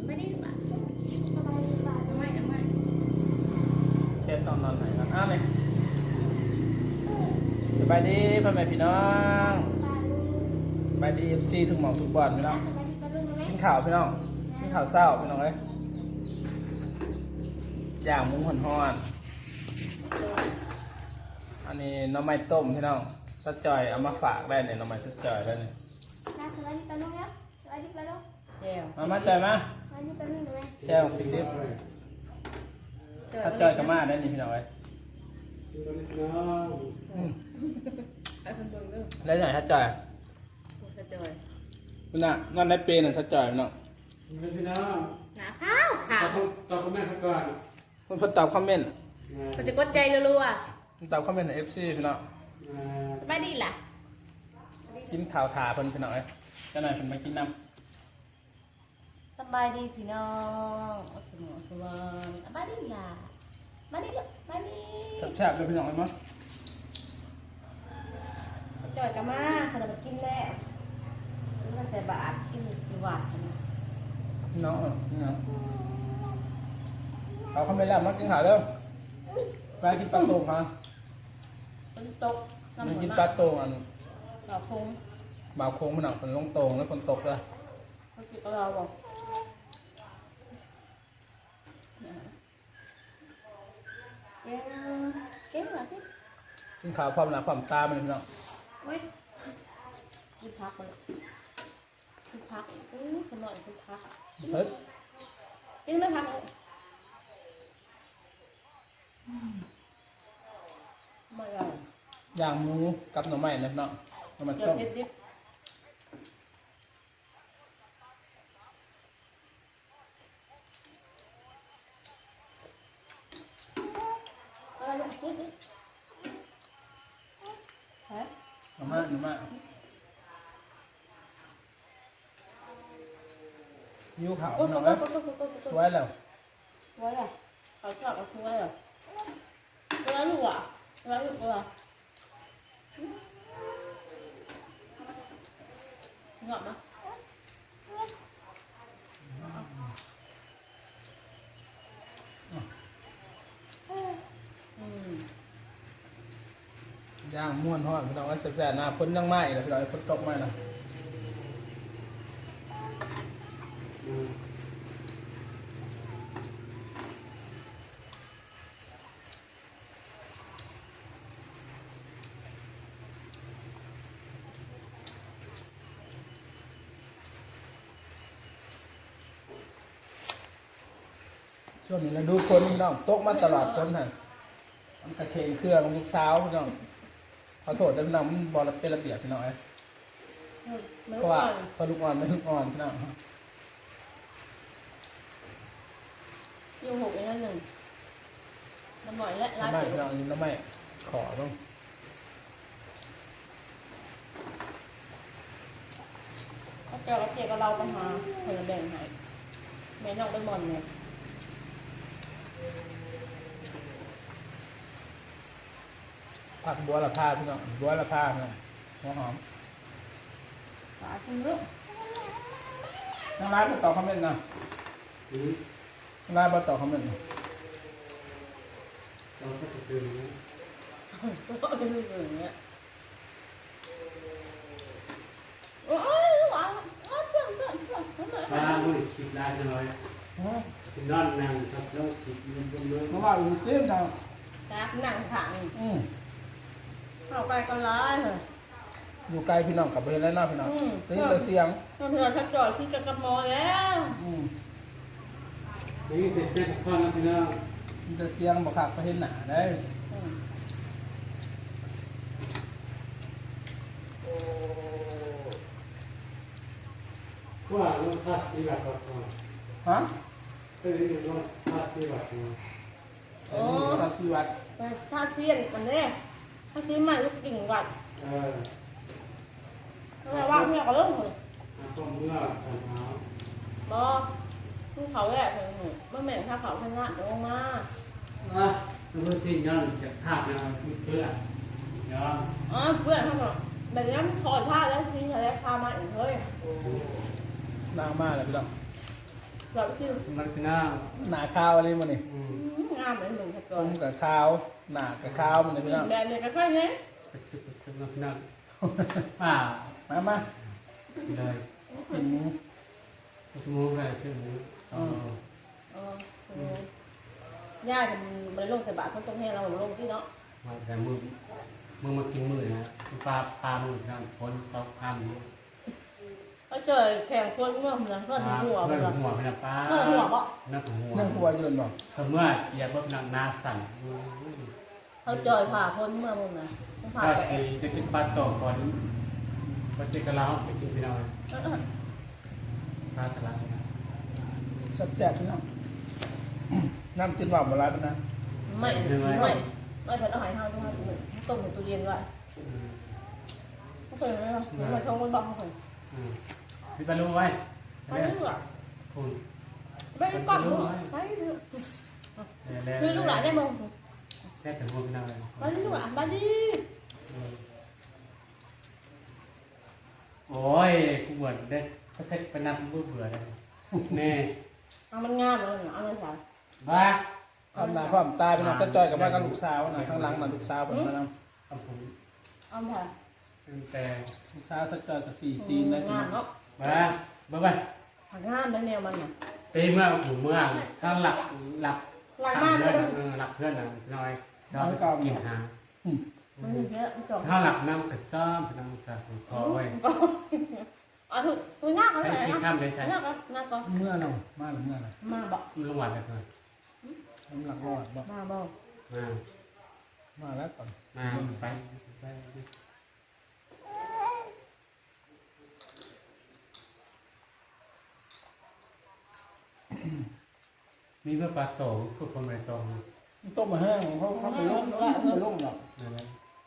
ไม่ได้ป่ะสบายดีป่ะจะไม่แค่ตอนนอนไหนกันเลยสบายดีพ่อแม่พี่น้องสบายดีFCทุกหม่องทุกบอลพี่น้องกินข้าวพี่น้องกินข้าวเศร้าพี่น้องเอ้ยย่างหมูห่อนๆอันนี้หน่อไม้ต้มพี่น้องสัดจอยเอามาฝากได้เนี่ยหน่อไม้สัดจอยได้เนี่ยสบายดีป่ะลูกครับสบายดีป่ะลูกมาจอยมาสบายดีป่ะลูกไหมแก้วปิดดิบสัดจอยกับมาได้นี่พี่น้องเอ้ยไอ้คนเบิ่งเด้อได้ไหนสัดจอยกระจอยคุณน่ะนั่นได้เปย์น่ะสัดจอยพี่น้องพี่น้องหนาข้าวขาวตอบคอมเมนต์ก่อนคุณเพิ่นตอบคอมเมนต์มันจะกดใจรัวคุณตอบคอมเมนต์ใน FC พี่น้องๆไม่ดีล่ะกินข้าวถาเพิ่นพี่น้องเอ้ยเจ้าหน่อยเพิ่นมากินน้ำสบายดีพี่น้องสมองสว่างสบายดีล่ะมาดีลูกมาดีแซ่บๆเลยพี่น้องเอ้ยมั้งกระจอยกันมาขนมกินแล้วนี่ก็แต่บาทกินกี่บาทนะพี่น้องพี่น้องเอาเข้าไปแล้วมากินข้าวเร็วไปกินปลาโต่งฮะเป็นตกมันกินปลาโต่งอันเราคงบ่าวโค้งพี่น้องเป็นลงโต่งแล้วฝนตกเลยเขากินกับเราบอกเก่งเก่งเหรอพี่กินข้าวพร้อมหน้าพร้อมตามันพี่น้องเว้ยกินพักเลยกินพักคนหน่อยกินพักเฮ้ยกินไม่พักเลยไม่เอาย่างหมูกับหน่อไม้นะพี่น้องหน่อไม้เดี๋ยวต้มเผ็ดดิเอาลูกพูดดิฮะหน่อไม้ยิ้วขาวโอ้พี่โหน้องเอ้ย สวยแล้วสวยอ่ะเขาชอบเอาสวยอ่ะแล้วลูกอ่ะแล้วลูกอ่ะงอกมั้ยย่างม่วนทอดพี่น้องเอ้ยแซ่บๆนะฝนยังไหม้เลยพี่น้องเอ้ยฝนตกไหม้นะช่วงนี้เราดูฝนพี่น้องตกมาตลอดฝนฮะมันกระเทงเครื่องลูกสาวพี่น้องขอโทษด้วยพี่น้องมันบอลเป็นระเบียบพี่น้องเอ้ยไม่เพราะว่าว่าพอลูกอ่อนไม่ลูกอ่อนพี่น้องอยู่หกอีกแล้วหนึ่งน้ำบ่อยและร้านไม่เปิพี่ดน้องนี่ไม่ขอต้องก็เจอกับเจ๊กับเราปัญหาคนละแบ่งให้แม่น้องไปหมอนเนี่ยผักบัวละพาพี่น้องบัวละพาพี่น้องหัวหอมฝาคุณลูกทางร้านมาตอบคอมเมนต์นะทางร้านมาตอบคอมเมนต์นะเราก็จะตื่นนะก็เป็นอย่างเงี้ยโอ้ยหวานเพื่อนมาบุ้ยคิดได้จะน้อยคิดด้านนั่งครับแล้วคิดเงินเยอะเพราะว่าอยู่เต็มทางจากหนังถังอืมเข้าไปก็ร้ายเหรออยู่ไกลพี่น้องกลับไปเห็นแล้วเนาะพี่น้องตีนแต่เสียงเพื่อนชักจอดที่จะกระมอแล้วอืมนี่เป็นเส้นข้อนะพี่น้องมีแต่เสียงบอกขาดไปเห็นหนาได้ว่าเราทัดสีแบบก่อนฮะก็เลยเรียกว่าทัดสีแบบก่อนโอ้ทางชีวัดถ้าเสียนมันเนี่ยถ้าซื้อใหม่ลูกกิ่งวัด ทำไมว่าเพื่อนก็เริ่มเลยก็เมื่อสันเอาบอผู้เขาแหละเถอะเมื่อแม่ถ้าเขาชนะจะลงมาแล้วสิ่งนั้นจะภาพนะเพื่อนเนาะอ๋อเพื่อนเขาบอกแบบนี้ถอดผ้าแล้วซีทะเลพามาอีกเฮ้ยนางมากเลยพี่น้องเราคิวสมัครพี่น้องหนาข้าวอะไรมันนี่งามเหมือนหนึ่งครับผก่อนมกับข้าวหนากับข้าวมันเลยพี่น้องแบบนี้ก็ค่อยนี้ไปซื้อสมัครพี่น้องป้ามาเลยกินชั่วโมงกันซื้อหมูอ๋อย่าเป็นบริโภคใส่บาตรเขาต้องให้เราลงที่เนาะมาแต่มึงมากินมือนะปลามือทำคนเขาทำเขาเจอแข่งคนเมื่อเหมือนเพื่อนหัวเพื่เมื่ออนหัวเป็นปลาหัวบ่นักหัวนั่งครัวยืนบอกเมื่อเหยียบแบบหนาสั่นเขาเจอผ่าคนเมื่อมึงนะผ่าถ้าไปสีจะกินปลาโตก่อนปลาเจกะลาไปกินพี่น้อยปลาสลัดนะแซ่บๆพี่น้องน้ำกินหวานโบราณนะไม่เพิ่นเอาหายห้าวด้วยต้มในตู้เย็นไว้เขาเคยไหมวะเหมือนชงบนบอกเขาเคยพี่ปลาลูกไว้ไม่รู้อ่ะคุณไม่ได้กอดมือไม่รู้คือลูกหลานได้มั้งแค่ถึงหัวพี่น้อยมาดิลูกหลานมาดิโอ้ยกูเหมือนเด็กก็เซ็ตไปนับเบื่อเลยนี่เอามันงามเลยเอาเลยสาวบ้าความหนาความตายพี่น้องจะจอยกับบ้านกับลูกสาวนะข้างหลังน่ะลูกสาวผมมานำเอาผมเอาผ่าแต่ลูกสาวจะจอยกับ4 ตีนได้พี่งาน้มองเนาะบ้าผ่างามได้แนวมันน่ะตีเมื่อหูเมื่อถ้าหลักหลักทำมากเพื่เลอนยหลักเพื่อนน้อยชอบกินหามันเยอะมันสองถ้าหลักน้ำกระซ้อมพี่น้องสาวคอไว้อ๋อถูกหน้าเขาให้เลยที่นะข้ามเลยใช่หน้าก็หน้าก็เมื่อเรามาหรือเมื่อไหร่มาบอกลงหวานเลยก่อนน้ำหลักรอดบอกมาบอกมามาแล้วก่อนไปมีเมื่อปลาโตคือคนไม่โตต้มมาแห้งเขาไปลงหรอกนั่นแหละ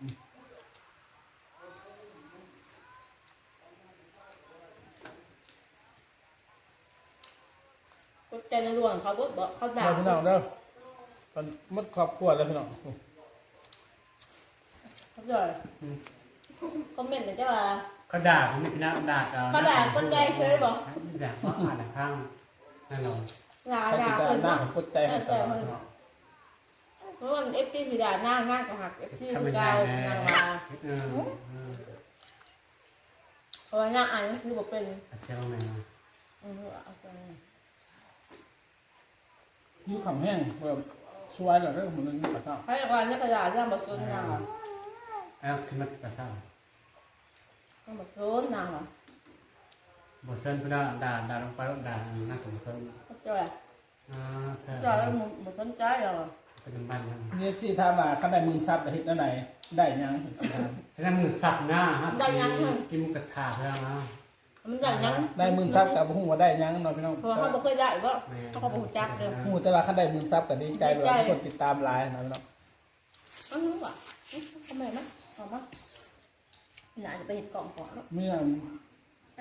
ก็ใจในรวงเขาบอกเขาด่าพี่น้องเด้อตอนมัดครอบครัวแล้วพี่น้องเขาจ่อยคอมเมนต์เลยจ้าว่าเขาด่าเขาไม่ด่าด่าเขาด่าคนใจซื้อบอกด่าเพราะอ่านข้างนั่นหรอด่าใครด่าสิคนหน้าเนาะของกดใจให้ตลอดพี่น้องเพราะว่าเอฟซีสีด่าหน้าจะหักเอฟซีทำสีเป็นไงดาวแน่นางมาเพราะว่าหน้าอ่านก็คือบอกเป็นเซลล์แมนเอาไปยิ้วขำแห้งแบบช่วยแบบเรื่องมันนึงปะเนาะให้ก่อนเนี่ยกระดาษย่างบะซุนนางอ่ะแล้วขึ้นมาภาษาย่างบะซุนนางอ่ะบทเส้นพี่น้องด่าลงไปด่าหน้าของเส้นเขาจ่อยจ่อยแล้วบะซุนใจเหรอเป็นบ้านนั่นนี่ที่ถามมาขั้นได้มือซับเฮ็ดนั่นไหนได้ยังฉะนั้นมึงสับหน้าฮะกินกระถาเพื่อมามันอย่างยังได้มือซับกับหูว่าได้ยังเนาะพี่น้องเพราะว่าเขาไม่เคยได้ก็เขาก็บอกจักเลยหูแต่ว่าขั้นได้มือซับก็ดีใจแบบคนติดตามหลายนะพี่น้องอันนี้ว่ะทำไมนะเอามาหลานจะไปเห็ดกล่องก่อนแล้วเมื่อไอ้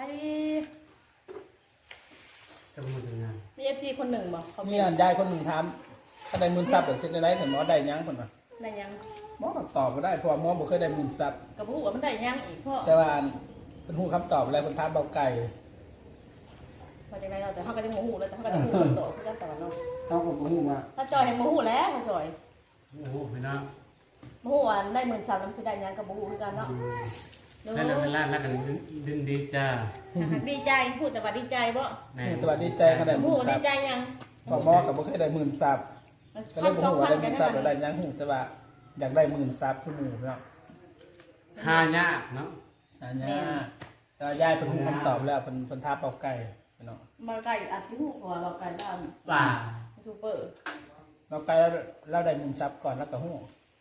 จะมึงทำงานมีเอฟซีคนหนึ่งบอกเขานี่ยายคนหนึ่งถามขั้นได้มือซับเดี๋ยวเช็ดได้ถึงหมอได้ยังคนน่ะได้ยังหมอก็ตอบก็ได้เพราะหมอบ่เคยได้มือซับกับผู้ว่ามันได้ยังอีกเพราะแต่ว่าเป็นหูคำตอบอะไรเป็นท้าเบาไก่มาจากไหนเราแต่เขาก็จะโมโหเลยแต่เขาก็จะโมโหต่อเขาจะต่อเนาะต้องผมหูว่าถ้าจอยให้โมโหแล้วถ้าจอยโอ้โหพี่น้องโมโหอันได้13,000น้ำสิได้ยังกับโมโหคือกันเนาะนั่นเวลานั่นกันดินดีจ้าดีใจพูดแต่ว่าดีใจบ่แต่ว่าดีใจขนาดโมมืโหอซัดีบใจยังพอหมอกับบ่เคยได้มือซับก็เลยบ่ฮู้ว่าได้มือซับหรือได้ยังหูแต่ว่าอยากได้มือซับคือหมู่พี่น้องหายากเนาะอันนี้แต่ยายเป็นหูคำตอบแล้วเป็นท้าเบาไก่พี่น้องมาไก่อาจสิหูกว่าเราไก่ด้านป่ายูทูบเบอร์เบาไก่เราได้มือซับก่อนแล้วก็หู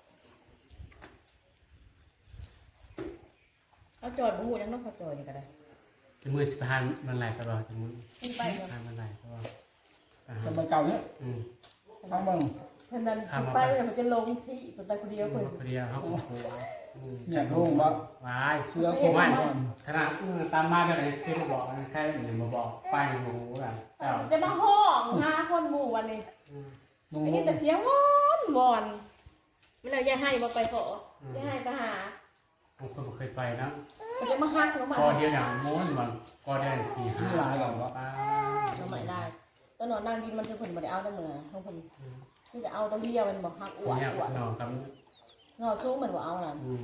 เขาจอยโมโหยังต้องเขาจอยนี่ก็ได้จะมือสิบพันมันไหลตลอดจะมือขึ้นไปเนาะพันมันไหลตลอดแต่มันเก่าเนี่ยทั้งเบิ่งเพิ่นนั้นขึ้นไปมันจะลงที่เพิ่นไปคนเดียวเพิ่นคนเดียวเขาโอ้โหเนี่ยลุงว่าว้ายเสื้อโคไม่ก่อนขนาดตามมาเดี๋ยวไหนคือมาบอกแค่หนึ่งมาบอกไปหมูกันเจ้าจะมาห้องหาคนหมู่วันนี้ลุงไอ้นี่แต่เสียงวอนวอนเวลาอย่าให้บ่ไปขออย่าให้ไปหาผมเคยไปนะมันจะมาฮักลงมาพอเดียวอย่างม้วนมันพอได้สี่ห้าหลายหรอวะป้าทำไมได้ แตัวนอนนั่งดินมันจะผลบ่ได้เอาได้เหมือนทั้งคนนี่จะเอาตัวเลี้ยมันบอกหักอวดเนี่ยอวดนอนกับนอนสูงเหมือนว่าเอาล่ะอืม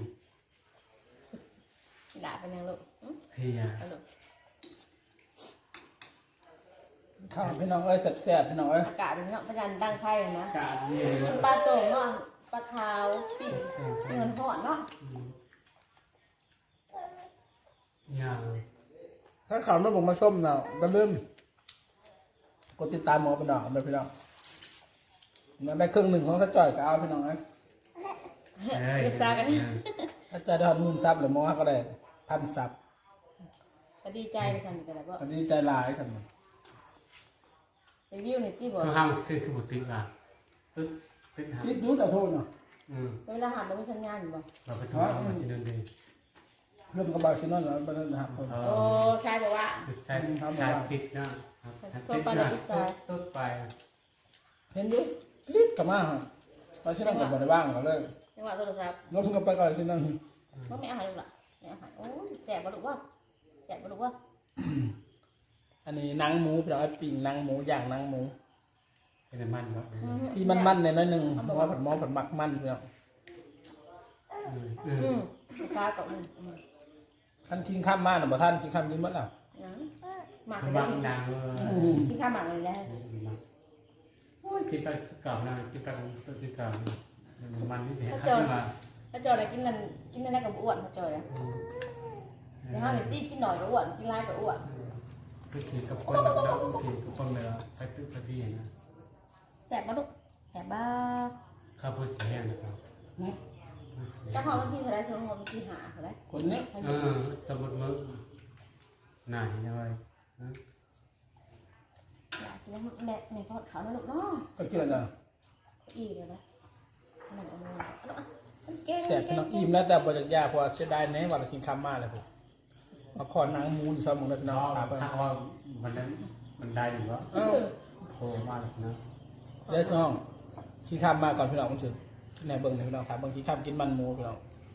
ด่าเป็นยังลูกเฮียเอาลูกข้าวพี่น้องเอ้ยแซ่บๆพี่น้องเอ้ยอากาศเป็นเนาะเป็นการดังไฟนะกาดเนี่ยปลาโต่งเนาะปลาขาวปิ้งที่มันหอดเนาะอย่างถ้าข่าวไม่บอกมาส้มเนาะก็ลืมกดติดตามหมอพี่น้องเลยพี่น้องมันได้ครึ่งหนึ่งของข้าจ่อยก็เอาพี่น้องนะเรียกจ้ากันถ้าจ่อยได้10,000 ซับหรือหมอก็ได้1,000 ซับก็ดีใจเลยค่ะนี่ก็ได้ว่าอันนี้ใจหลายครับรีวิวนี่ที่บอกคือห้ามคือบุติกอ่ะตึ๊ดหาคิดดูแต่โทษเนาะเวลาหันมันไม่ทำงานอยู่บ่เราไปทำเอามาที่นั่นดีเริ่มกระบาดชิ้นนั้นแล้วไปนั่นนะครับผมเอโอ้อชายบอกว่าใช้ติดนะติดนะตุ๊ดไปเห็นดูลิดกลับมาฮะไปชิ้นนั้นกับบริบ้างก็เลยจังหวะโทรศัพท์ลบกันไปก่อนชิ้นนั้นมันไม่อาหารลูกละไม่อาหารโอ้ยแสบบ่ลูกว่าแสบบ่ลูกว่าอันนี้หนังหมูพี่น้องไอ้ปิ่งหนังหมูย่างหนังหมูเป็นมันครับซีมันๆในน้อยหนึ่งหมอผัดหมักมันพี่น้องข้าวกับมึงท่านทิ้งข้ามมาหรือเปล่าท่านทิ้งข้ามนี้มั้งล่ะหมักบางนางที่ข้าวหมักเลยได้คิดไปเก่านะคิดไปตัวที่เก่ามันนี่เห็นขึ้นมาถ้าจอยอะไรกินนั่นได้กับอ้วนถ้าจอยเลยแต่ถ้าเด็กที่กินหน่อยก็อ้วนกินไรก็อ้วนคือขี่กับคนแล้วขี่กับคนเลยไปตึ๊ดไปที่นะแสบบ่ลูกแสบบ้าข้าวโพดเสียนะครับถ้าหอมที่เท่าไรเท่าหอมที่หาเท่าไรคนนี้สมุดมือหน่ายยังไงอยากกินแม่ทอดขาวนะลูกเนาะก็เกินแล้วอีกเลยนะมันเอามาแสบพี่น้องอิ่มแล้วแต่บริยาเพราะเสียดายแน่ว่าเราทิ้งข้ามมาเลยผมมาขอหนังหมูนี่ชอบมึงเลยพี่น้องครับถ้าว่ามันได้หรือว่าโผล่มาเลยนะเดี๋ยวซ่องขี้ข้ามมาก่อนพี่น้องมันสุดในเบิ้งพี่น้องครับบางทีข้ามกินมันหมูพี่น้อง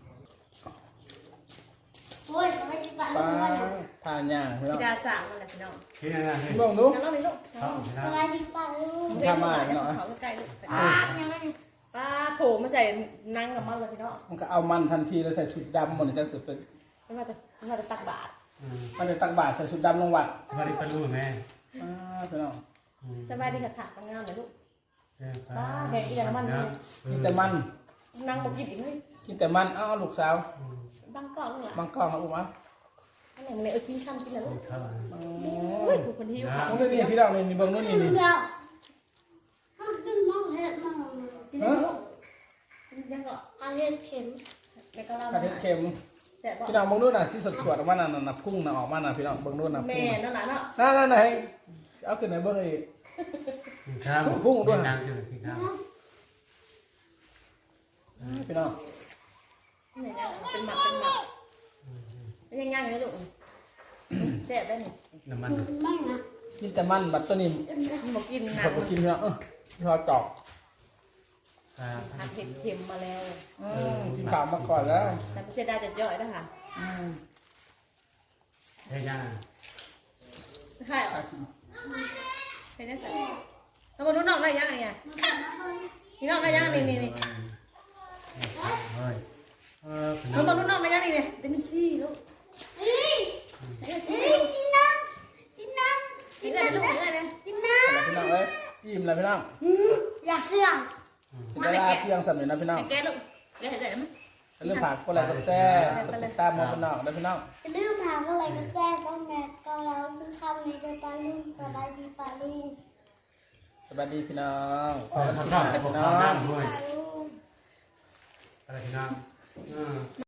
โอ้ยสวัสดีปลาปลุลาง ทานย่างพี่น้องดาสามมันแหละพี่น้องที่นั่นนะพี่น้องดูน้องมีลูกท้องสนะวัสดีปลาลุงเขาใกล้ลูกปลายังไงป้าโผล่มาใส่นั่งกับมันเลยพี่น้องมันก็เอามันทันทีแล้วใส่ชุดดำหมดเลยจะสุดเป็นไม่ว่าจะตักบาตรมันจะตักบาตรใส่ชุดดำลงวัดสวัสดีปลูแม่พี่น้องสบายดีค่ะถามงานเลยลูกกินแต่มันนั่งมากินอีกเลยกินแต่มันเอ้าลูกสาวบางก่อนเลยบางกล้องนะอุ้มอ่ะอันไหนมันเลยกินข้ามกินแล้วลูกเท่าไหร่เฮ้ยคนที่อยู่ค่ะมึงนี่พี่น้องนี่เบิ้งนู่นนี่กินี่นแล้วข้าวต้มมองเห็ดมองกินแล้วลูกยังก็อาเห็ดเข็มแล้วก็เรากระเทียมเค็มแต่บอกพี่น้องเบิ้งนู่นน่ะที่สดๆออกมาน่ะพุ่งน่ะออกมาน่ะพี่น้องเบิ้งนู่นน่ะแม่พุ่งนั่นแหละเนาะนั่นไหนเอาขึ้นไหนเบิ้งอีกข้าวนางอยู่ที่ข้าวพี่น้องไหนนะเป็นหมักเป็นยังไงนะลูกแซ่บได้นี่น้ำมันไม่นะกินแต่มันบัดตัวนี้บอกกินผนะมก็กินพี่น้องพี่น้องจอกผัดเผ็ดเค็มมาแล้วกินข้าวมาก่อนแล้วแต่ไม่เสียดายจะย่อยนะคะเฮ้ยย่าใช่เหรอใช่ได้ใส่แล้วมาดูน้องได้ยังไงนี่น้องได้ยังนี่เฮ้ยน้องดูน้องได้ยังนี่เดมินซี่ลูกเฮ้ยกินน้ำกินน้ำกินได้ลูกกินได้เลยกินน้พี่น้องเอ้ยอิ่มแล้วพี่น้องำอยากเชื่องสิได้ลาเที่ยงสำเร็จนะพี่น้องแกลูกแกเห็นใจไหมเรื่องผักคนละก็แซ่บติดตามมาพี่น้องได้พี่น้องอย่าลืมถามอะไรก็แจ้งต้องแม่ก็แล้วคุณคำนี้เป็นปลาลุงสบายดีปลาลุงสวัสดีพี่น้องพอกันข้าวพี่น้องข้าวด้วยปลาลุงอะไรพี่น้อง